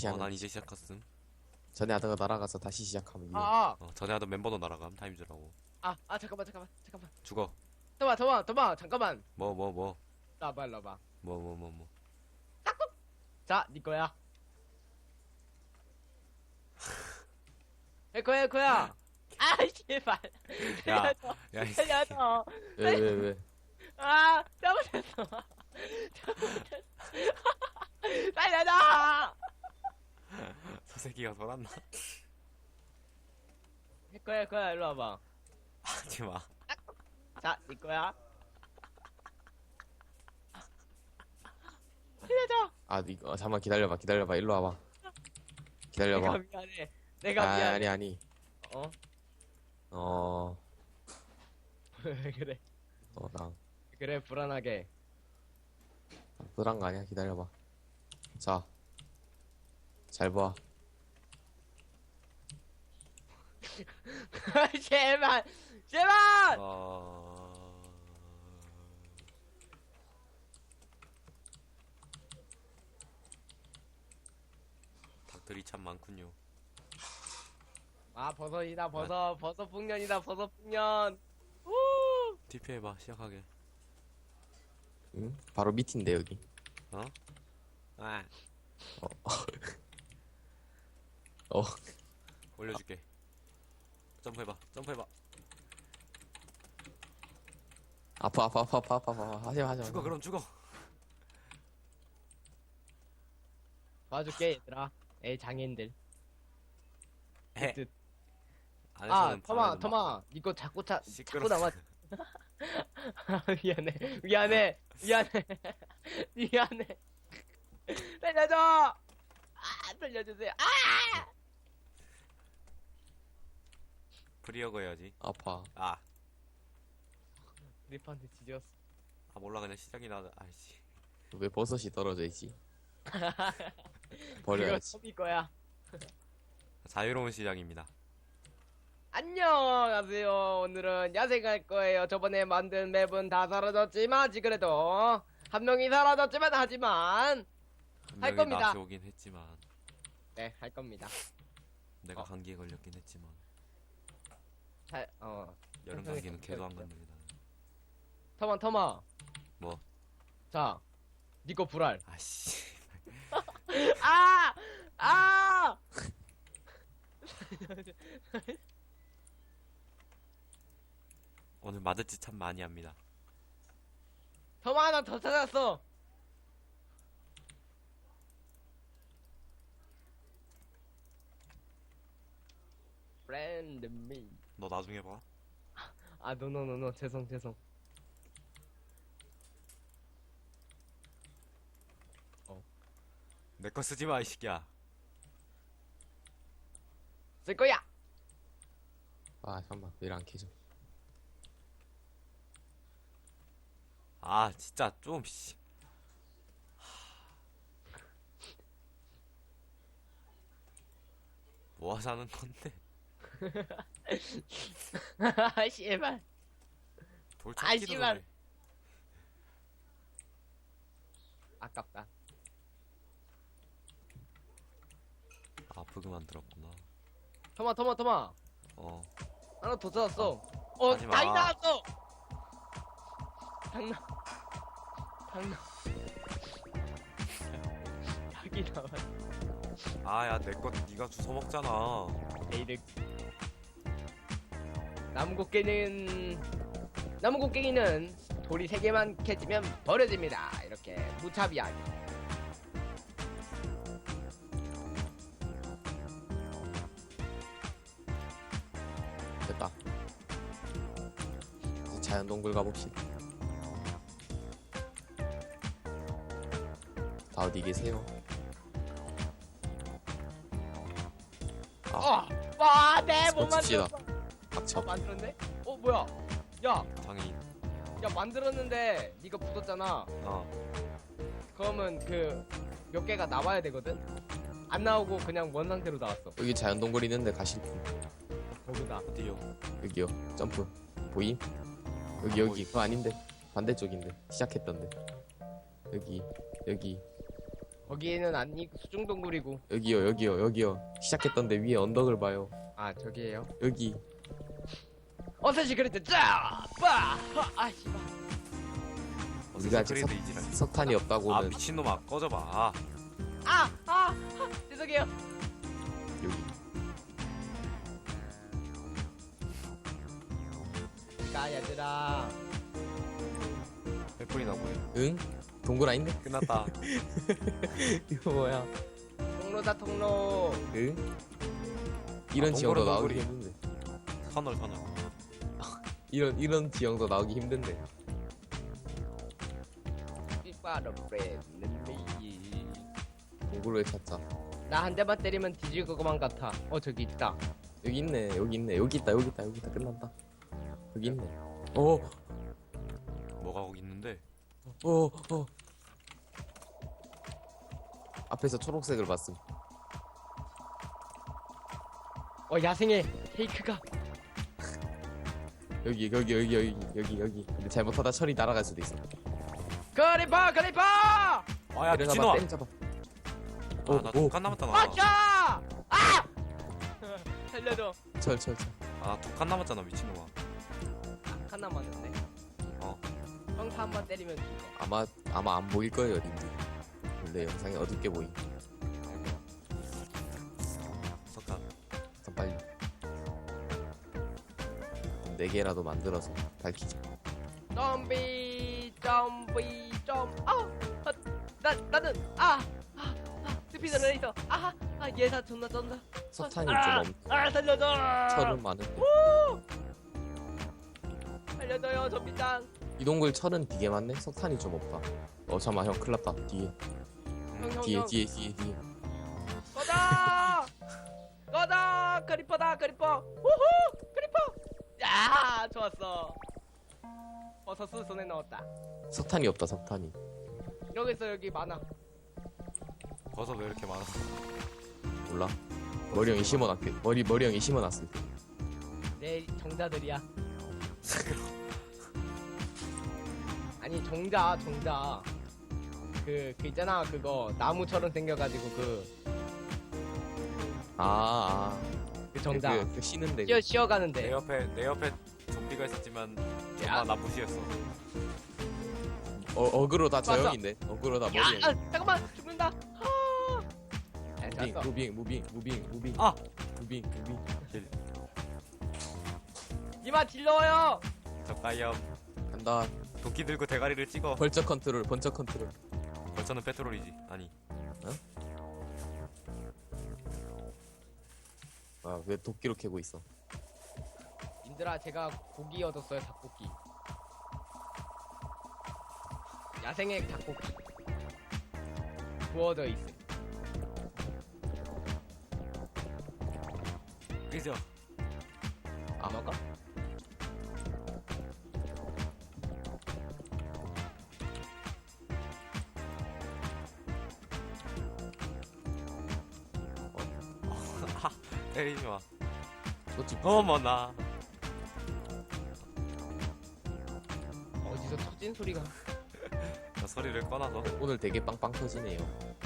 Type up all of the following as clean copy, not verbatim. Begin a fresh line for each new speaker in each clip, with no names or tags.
하는.
난 이제 시작했음.
전에 하다가 날아가서 다시 시작하면 이겨.
전에 하던 멤버도 날아감. 타임즈라고.
잠깐만.
죽어.
도마, 잠깐만.
뭐.
나봐.
뭐.
자, 니 거야. 내 거야. 아, 제발.
야,
살려줘.
야, 이
살려줘.
왜?
잘못했어. 살려줘.
저 새끼가 돌았나?
내 거야. 일로 와봐.
하지 마.
자, 니 거야. 살려줘.
잠깐만 기다려봐. 일로 와봐. 기다려봐.
내가 미안해. 내가 미안해.
아니.
왜 그래?
나
그래, 불안하게.
그런 거 아니야. 기다려봐. 자, 잘 봐.
제발.
닭들이 참 많군요.
버섯이다, 버섯 풍년이다, 버섯 풍년. 우!
TP 해봐. 시작하게.
응? 바로 밑인데 여기.
어?
어.
올려줄게. 점프해봐.
아파. 하지마.
죽어, 그럼 죽어.
봐줄게, 얘들아. 에이, 장애인들.
해.
뜻.
안에서는
터마. 니거 자꾸
시끄러.
남아. 미안해. 살려줘. 살려주세요.
프리어거 해야지.
아파.
리프한테 지졌어.
몰라. 그냥 시작이 나다. 아이씨.
왜 버섯이 떨어져 있지?
이거
버려야지.
톱이 거야.
자유로운 시작입니다.
안녕하세요. 오늘은 야생할 거예요. 저번에 만든 맵은 다 사라졌지만, 그래도 한 명이 사라졌지만, 하지만 할 겁니다.
다시 오긴 했지만
네, 할 겁니다.
내가 감기에 걸렸긴 했지만 여름
천천히
감기는 개도 안 건드리다.
터마.
뭐?
자, 니거 불알.
아씨.
아!
오늘 맞을 짓 참 많이 합니다.
터마 하나 더 찾았어. Friend me.
너 나중에 봐.
노. 죄송.
내 거 쓰지 마, 이 새끼야.
쓸 거야.
잠깐만. 왜 안 켜져?
진짜 좀 씨. 뭐 하자는 건데?
씨발.
돌 찾기도
씨발.
전에.
아깝다.
버그만 들었구나.
터마. 하나 더 찾았어.
하지 마.
닭이 나왔어. 닭나. 닭이 나왔어.
야, 내 거 네가 주워 먹잖아.
내일을. 나무곡괭이는 돌이 3개만 캐지면 버려집니다. 이렇게 무차비하게.
됐다. 이제 자연동굴 가봅시다. 다 어디 계세요?
못
칩시다.
만들었어.
닥쳐.
만들었네? 뭐야? 야,
장애인.
만들었는데 니가 붙었잖아. 그러면 몇 개가 나와야 되거든? 안 나오고 그냥 원 상태로 나왔어.
여기 자연동굴 있는데 가실 분.
거기다.
어디요?
여기요. 점프. 보임? 여기. 그거 아닌데. 반대쪽인데. 시작했던데. 여기.
거기에는 아니 수중동굴이고.
여기요, 여기요, 여기요. 시작했던데 위에 언덕을 봐요.
아 저기에요.
여기.
어서시 그랬대. 짜! 빠! 아 씨발.
우리가 아직
크리드 이지랄.
석탄이
아
없다고는
미친놈아 꺼져봐. 아,
죄송해요.
여기.
가 얘들아.
몇 분이나 보여.
응? 동굴 아닌데?
끝났다.
이거 뭐야?
통로다 통로.
응? 이런 지형도
동굴은
나오기
동굴이.
힘든데.
터널.
이런 지형도 나오기 힘든데.
삐빠로 브레드미.
동굴 왜 찾자?
나 한 대만 때리면 뒤질 것만 같아. 저기 있다.
여기 있네, 여기 있네, 여기 있다, 여기 있다, 여기 있다. 끝난다. 여기 있네. 어,
뭐가 거기 있는데?
어, 어. 앞에서 초록색을 봤음.
야생의 페이크가.
여기. 근데 잘못하다 철이 날아갈 수도 있어.
그리퍼!
아야
때려잡아,
미친놈아.
때려잡아.
아나 독한 남았다 나.
아차! 아! 살려줘.
철.
아나 독한 남았잖아 미친놈아.
한 남았는데.
어.
형사 한 번 때리면 죽어.
아마 안 보일 거예요, 님들. 원래 영상이 어둡게 보임.
석탄.
일단 빨리. 4개라도 만들어서 밝히자.
좀비. 나는 스피드를 있어. 얘사 존나 쩐다.
석탄이 좀
살려줘.
철은 많은데.
살려줘요, 좀비짱.
이 동굴 철은 되게 많네? 석탄이 좀 없다. 잠깐만, 형, 큰일 났다. 뒤에.
형.
뒤에.
꺼져. 크리퍼다. 우후, 크리퍼. 야, 좋았어. 버섯을 손에 넣었다.
석탄이 없다, 석탄이.
여기 많아.
버섯 왜 이렇게 많아?
몰라. 머리형이 심어놨게. 머리형이 심어놨을 때.
내 정자들이야. 아니 정자. 그 있잖아, 그거 나무처럼 생겨가지고 그 정자.
그 쉬는데.
쉬어가는데.
내 옆에 좀비가 있었지만
야.
정말 나 무시했어.
어그로 다 저
맞아.
형인데. 어그로 다
야,
머리형.
잠깐만 죽는다. 잤어.
무빙.
아!
무빙.
이만 딜러요.
저까염.
간다.
도끼 들고 대가리를 찍어.
번쩍 컨트롤.
벌처는 페트롤이지. 아니.
왜 도끼로 캐고 있어?
님들아, 제가 고기 얻었어요. 닭고기. 야생의 닭고기 구워져 있음.
그죠?
먹어?
때리지 마.
그렇지.
어머나.
어디서 터진 소리가.
나 소리를 꺼놔서.
오늘 되게 빵빵 터지네요.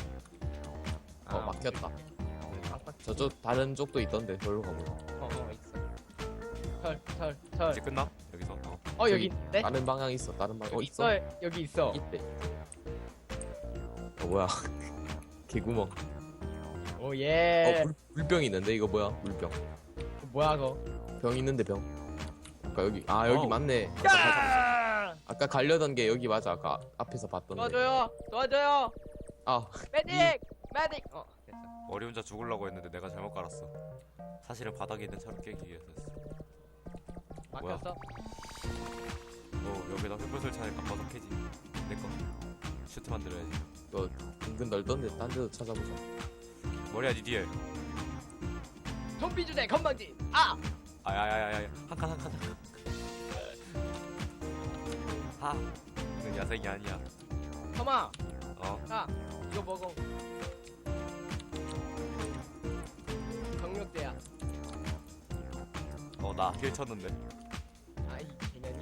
막혔다.
깜빡.
저쪽 다른 쪽도 있던데. 저기로 가보자.
있어. 털.
이제 끝나? 여기서.
여기
저기
있는데?
다른 방향 있어. 다른 방향.
여기
있어?
여기 있어.
있대. 뭐야? 개구멍.
오 예.
물병 있는데 이거 뭐야? 물병.
뭐야 그거?
병 있는데 병. 아까 여기 여기
어우.
맞네.
야!
아까 가려던 게 여기 맞아. 아까 앞에서 봤던데.
도와줘요. 메딕. 됐어.
머리 혼자 죽으려고 했는데 내가 잘못 깔았어. 사실은 바닥에 있는 차를 깨기 위해서였어.
막혔어.
여기다 횃불 설치하니 갚아서 캐지. 내꺼. 슈트 만들어야지.
이거 은근 넓던데 딴 데도 찾아보자.
머리야 니 뒤에.
좀비 주제 건방진.
아야야야야. 한 칸. 이건 야생이 아니야.
터마.
어?
이거 먹어. 경력대야.
나 길 쳤는데.
이 개년이.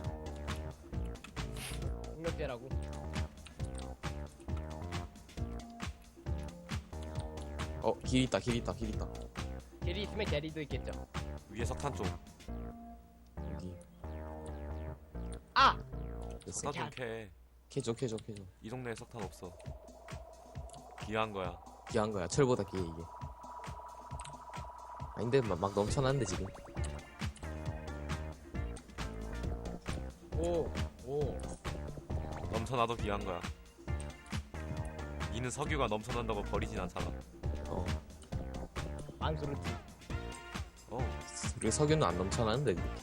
경력대라고.
길 있다 길 있다 길 있다.
길이 있으면 게리도 있겠죠.
위에 석탄 쪽.
여기
아!
됐어.
석탄 좀 캐.
캐줘 캐줘 캐줘.
이 동네에 석탄 없어. 귀한 거야.
귀한 거야. 철보다 귀해 이게. 아닌데 막 넘쳐나는데 지금.
오, 오.
넘쳐나도 귀한 거야. 니는 석유가 넘쳐난다고 버리진 않잖아.
어.
안그렇지.
어.
우리 석유는 안 넘쳐나는데 이렇게.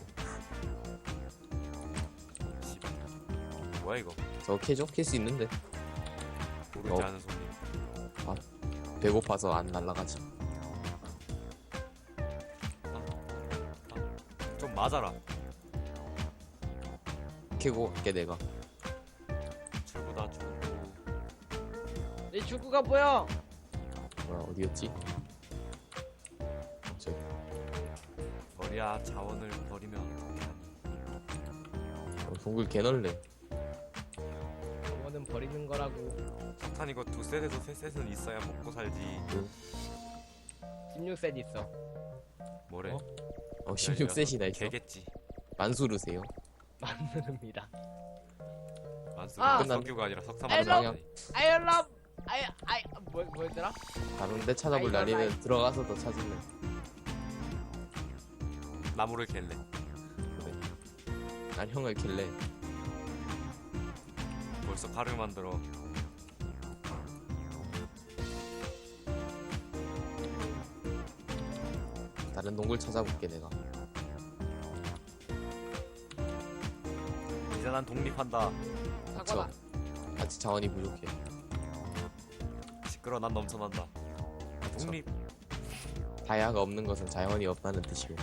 씨발. 뭐야 이거?
저거 캐줘? 캘 수 있는데.
모르지 않은 손님.
배고파서 안 날라가지.
좀 맞아라.
캐고 갈게 내가.
출구다 출구.
이 출구가 보여.
뭐야 어디였지? 저기.
버려야 자원을 버리면 어떻게 하니?
동굴 개널래.
저거는 버리는 거라고.
석탄 이거 2셋에서 3셋은 있어야 먹고 살지.
16셋 있어.
뭐래?
어?
16셋이나 있어.
개겠지.
만수르세요.
만드릅니다.
만수
아!
석유가 아니라 석탄
헬로!
만들어.
I love, 뭐였더라?
다른데 찾아볼
아이고,
날이면
아이고.
들어가서 더 찾을래.
나무를 갤래.
그래. 난 형을 킬래.
벌써 칼을 만들어.
다른 동굴 찾아볼게 내가.
이제 난 독립한다.
사과다.
아직 자원이 부족해.
시끄러. 난 넘쳐난다. 독립.
다이아가 없는 것은 자원이 없다는 뜻이고.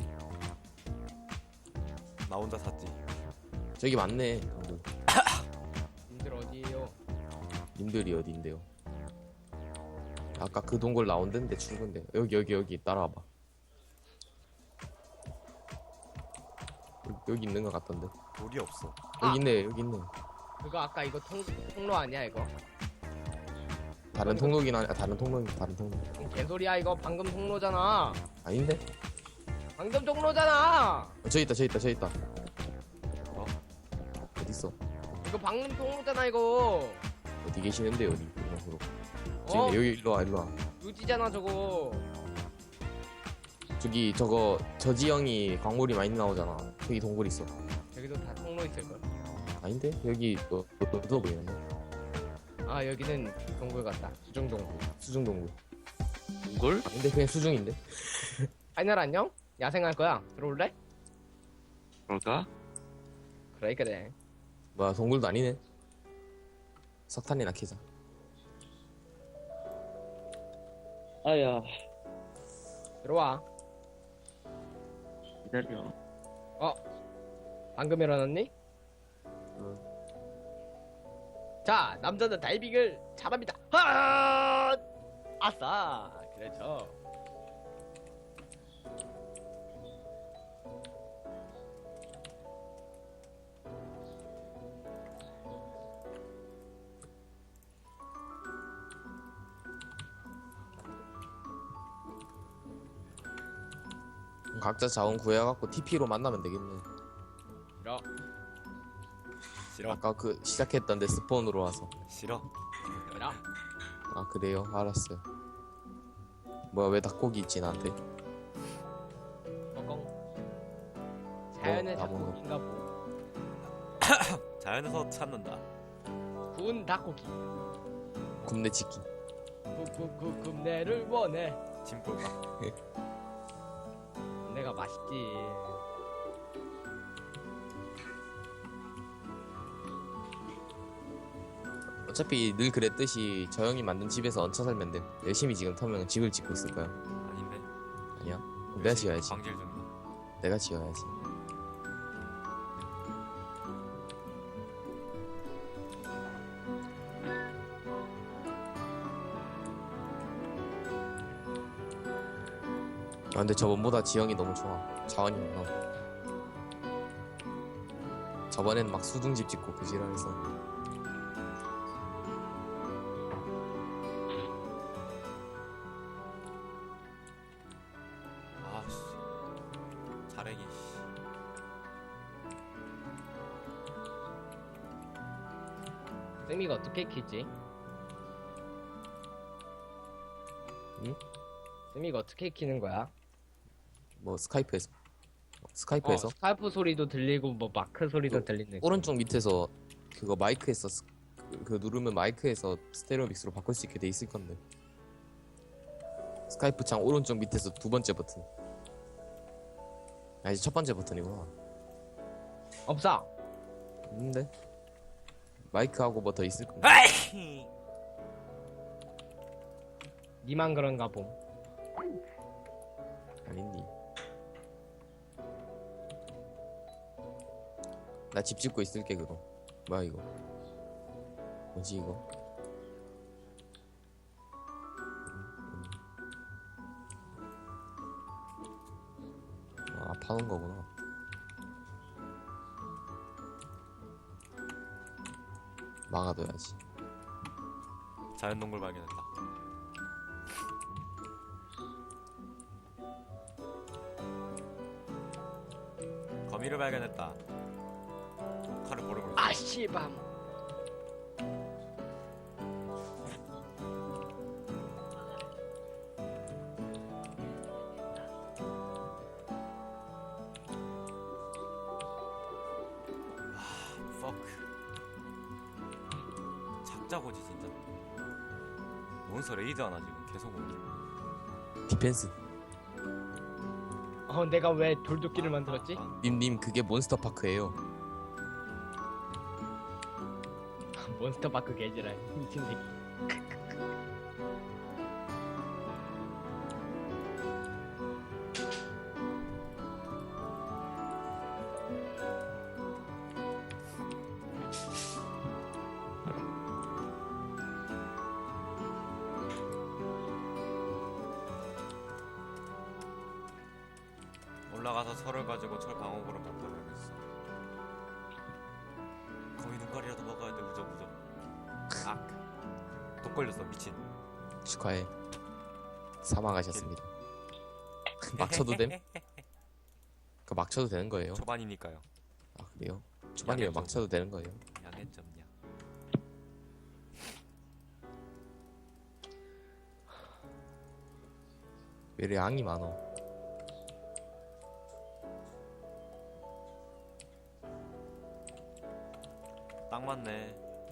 나 혼자 샀지.
저기 맞네 동굴.
님들 어디에요?
님들이 어딘데요? 아까 그 동굴 나온 데인데 출근데. 여기 따라와봐. 여기 있는 것 같던데.
돌이 없어.
아!
여기 있네 여기 있네.
그거 아까 이거 통로 아니야 이거?
다른 통로긴 하네. 다른 통로.
개소리야 이거 방금 통로잖아.
아닌데?
방금 통로잖아.
저기 있다.
어?
어딨어?
이거 방금 통로잖아 이거.
어디 계시는데 어디? 이쪽으로.
어?
여기 일로 와.
유지잖아 저거.
저기 저거 저지형이 광물이 많이 나오잖아. 저기 동굴 있어.
여기도 다 통로 있을걸.
아닌데? 여기 너 보이는데?
아 여기는 동굴 같다. 수중 동굴.
수중 동굴.
동굴?
근데 그냥 수중인데?
하이날 안녕? 야생할 거야. 들어올래?
그럴까?
그래.
뭐야 동굴도 아니네. 석탄이나 캐자.
아야,
들어와.
기다려.
방금 일어났니?
응.
자, 남자는 다이빙을 잘합니다. 하! 아싸. 그렇죠.
각자 자원 구해갖고 TP로 만나면 되겠네.
싫어.
싫어.
아까 그 시작했던 데 스폰으로 와서.
싫어.
싫어.
아 그래요? 알았어요. 뭐야 왜 닭고기 있지 나한테?
꽁꽁. 자연의
나무는?
닭고기인가 보.
자연에서 찾는다.
구운 닭고기.
굽네 치킨.
굽내를 원해.
짐볼까?
내가 맛있지.
어차피 늘 그랬듯이 저 형이 만든 집에서 얹혀 살면 돼. 열심히 지금 터면 집을 짓고 있을 거야.
아닌데.
아니야? 내가 지어야지.
광질 중이야.
내가 지어야지. 아 근데 저번보다 지형이 너무 좋아. 자원이 많아. 저번엔 막 수중집 짓고 그 지랄해서.
가랭이 씨.
쌤이가 어떻게 키지?
응?
쌤이가 어떻게 키는 거야?
뭐 스카이프에서
스카이프 소리도 들리고 뭐 마크 소리도
그
들리는.
오른쪽 밑에서 그거 마이크에서 그 누르면 마이크에서 스테레오 믹스로 바꿀 수 있게 돼 있을 건데. 스카이프 창 오른쪽 밑에서 두 번째 버튼. 아니 첫 번째 버튼이구나.
없어.
없는데 마이크하고 뭐 더 있을 건데.
아이!
니만 그런가 봄.
아닌디. 나 집 짓고 있을게 그거. 뭐야 이거? 뭐지 이거? 아 파는 거구나. 막아둬야지.
자연동굴 발견했다. 거미를 발견했다. 칼을 버려버렸어.
아 씨밤.
fuck. 작자고지 진짜. 몬스터 레이드 하나 지금 계속 오네.
디펜스.
내가 왜 돌도끼를 만들었지?
님 그게 몬스터 파크예요.
몬스터파크 개지랄 미친 새끼.
올라가서 철을 가지고 철 방어구를 만들어야겠어. 거미 눈깔이라도 먹어야 돼. 무적. 독 걸렸어 미친.
축하해. 사망하셨습니다. 막 쳐도 됨? 그 막 쳐도 되는 거예요?
초반이니까요.
아 그래요? 초반이면 막 쳐도 되는 거예요?
양해점냐.
왜 이렇게 양이 많어?
딱 맞네.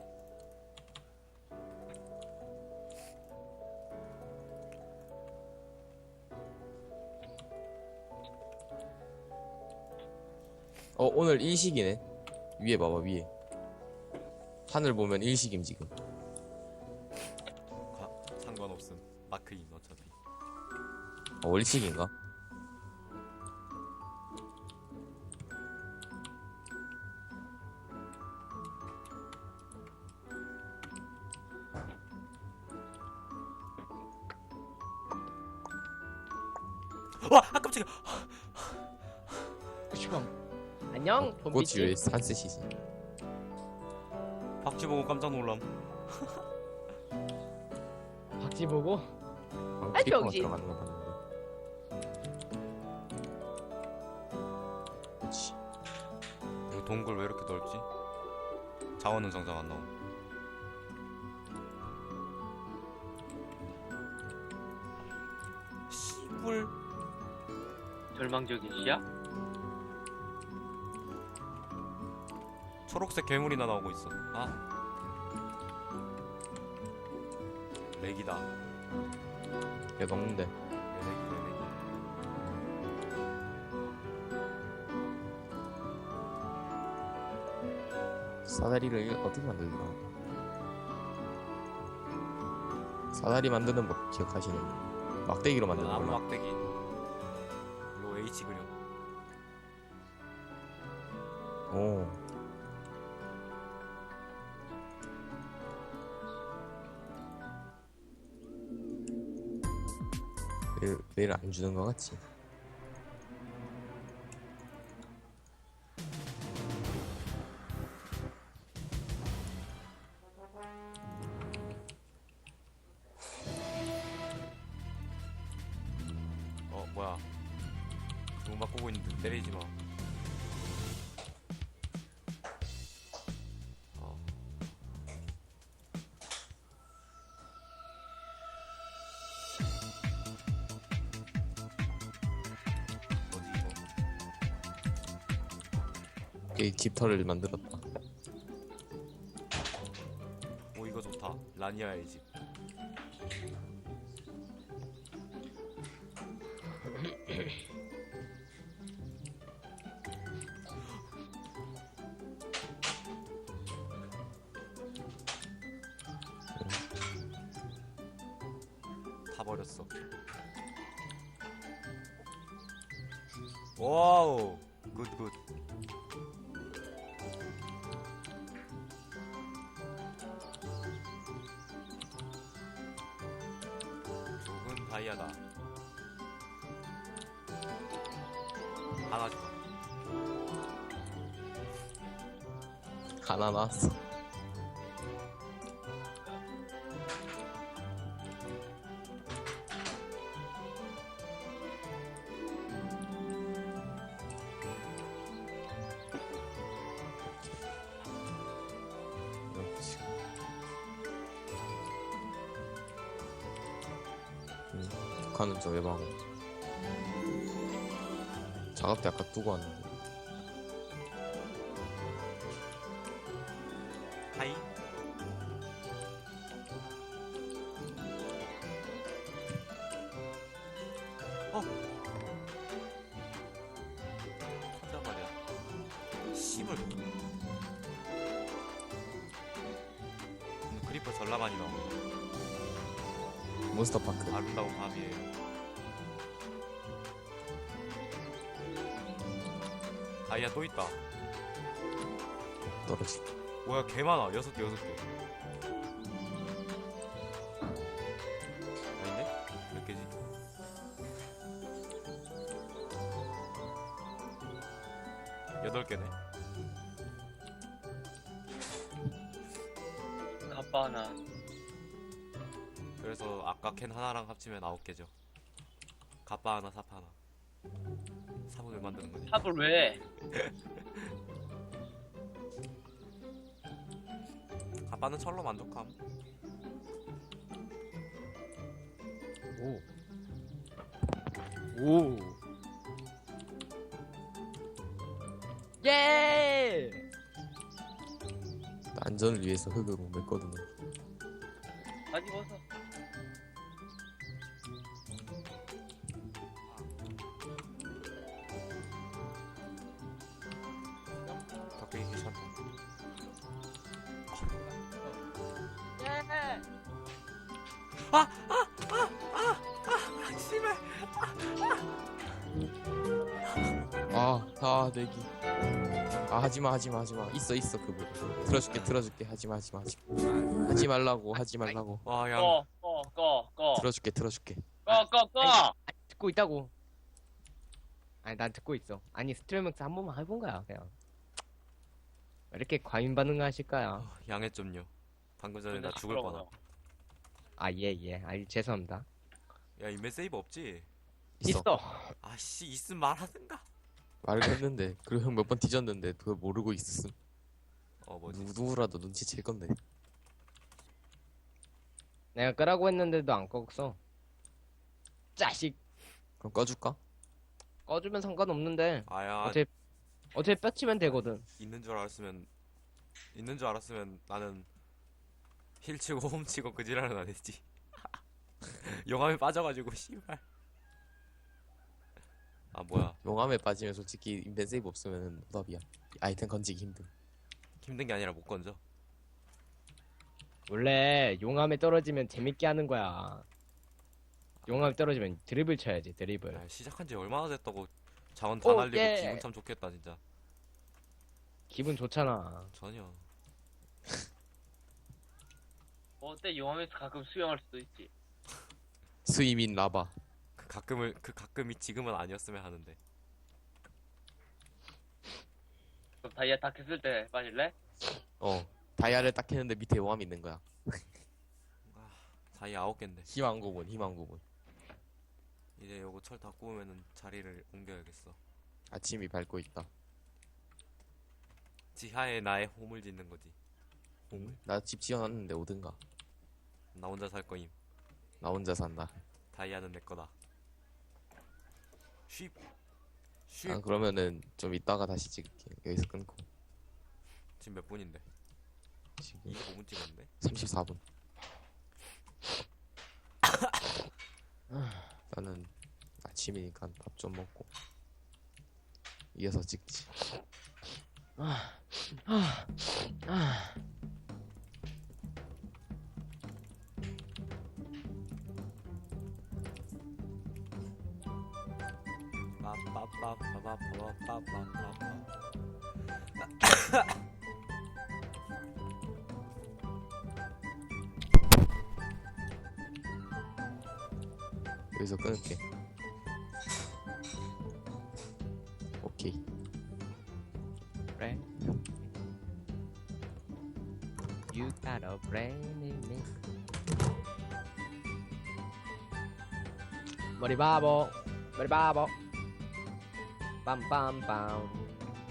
오늘 일식이네. 위에 봐봐 위에. 하늘 보면 일식임 지금.
상관없음. 마크인 어차피.
일식인가?
와! 아 깜짝이야.
슈컴. 안녕
꽃이
봄비치.
왜 산뜻이지?
박쥐 보고 깜짝 놀람.
박쥐 보고.
방금
아이,
크리퍼가
병신.
들어가는 거 봤는데. 그렇지.
이거 동굴 왜 이렇게 넓지? 자원은 정작 안 나오. 씨불.
절망적인 시야?
초록색 괴물이나 나오고 있어. 아. 렉이다.
야 먹는데.
렉이.
사다리를 어떻게 만들더라? 사다리 만드는 법 기억하시는 분? 막대기로 만드는
나무
걸로.
막대기. 로 H 그려.
오. 매일 안 주는 거 같지?
뭐야? 눈 바꾸고 있는데 때리지 마. 어. 뭐지 이거?
이 깃털을 만들었다.
오 이거 좋다. 라니아의 집. 다 버렸어. 와우, 굿. 좋은 다이아다. 하나 줘.
하나 나왔어. 그렇지. 북한은 저 외방어. 작업대 아까 두고 왔는데.
하이. 어. 하자 말이야. 씨발. 크리퍼 전라 많이 나오네.
몬스터파크.
아름다운 밤이에요. 다이아 또 있다.
떨어지.
뭐야 개 많아. 6개. 아닌데? 몇 개지? 여덟 개네.
갑바 하나.
그래서 아까 캔 하나랑 합치면 9개죠. 갑바 하나, 삽 하나. 삽을 왜 만드는 거지?
삽을 왜?
갑바는 철로 만족함.
오. 예!
안전을 위해서 흙을 못 맸거든요.
바지 벗어.
덕분에 괜찮다.
예!
씨발.
내기. 하지마. 있어, 그거. 틀어줄게. 하지마. 하지 말라고.
와, 양.
꺼.
틀어줄게.
꺼.
듣고 있다고. 아니 난 듣고 있어. 아니 스트레밍스 한 번만 해본 거야 그냥. 왜 이렇게 과민 반응하실까요?
양해 좀요. 방금 전에 나
근데
죽을
시끄러워.
뻔함.
아 예. 아니 죄송합니다.
야, 인벤 세이브 없지?
있어.
아씨, 있음 말하든가.
말을 했는데 그리고 형 몇 번 뒤졌는데 그걸 모르고 있었음.
뭐지?
누구라도 눈치챌 건데.
내가 끄라고 했는데도 안 껐어. 자식.
그럼 꺼줄까?
꺼주면 상관없는데
아야,
어차피 뼈치면 되거든.
있는 줄 알았으면 나는 힐 치고 홈 치고 그 지랄은 안 했지. 용암에 빠져가지고 씨발. 아 뭐야,
용암에 빠지면 솔직히 인벤 세이브 없으면 노답이야. 아이템 건지기 힘듦.
힘든 게 아니라 못 건져.
원래 용암에 떨어지면 재밌게 하는 거야. 용암에 떨어지면 드리블 쳐야지 드리블.
야, 시작한 지 얼마나 됐다고. 자원 다 날리고
예.
기분 참 좋겠다 진짜.
기분 좋잖아.
전혀.
어때? 용암에서 가끔 수영할 수도 있지.
스위민 라바.
그 가끔이 지금은 아니었으면 하는데.
그럼 다이아 다 캤을 때 빠질래?
다이아를 딱 했는데 밑에 용암이 있는 거야.
다이 9개인데.
희망 고문.
이제 요거 철 다 구우면은 자리를 옮겨야겠어.
아침이 밝고 있다.
지하에 나의 홈을 짓는 거지. 홈을.
나 집 지어놨는데 오든가.
나 혼자 살 거임.
나 혼자 산다.
다이아는 내 거다. 쉽. 쉽.
아, 그러면은 좀 이따가 다시 찍을게. 여기서 끊고.
지금 몇 분인데?
지금
25분 찍었는데?
34분. 나는 아침이니까 밥 좀 먹고 이어서 찍지.
빠빠빠빠빠빠빠빠빠.
여기서 끊을게. 오케이.
그래. You got a brain in me. 머리 바보, 머리 바보. 빰빰빰.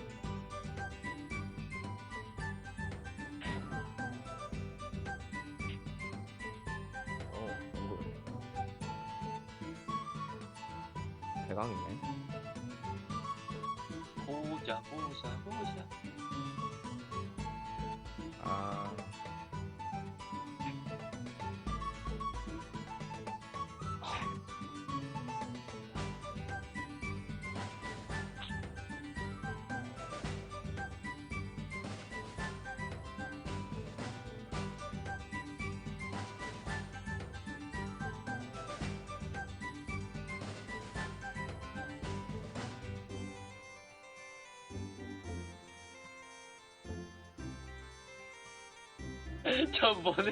이거 대강이네.
보자 보자 보자.
아.
저 뭐네?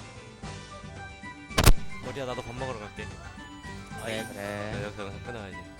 머리야 나도 밥 먹으러 갈게.
그래 그래.
여기서 끊어야지.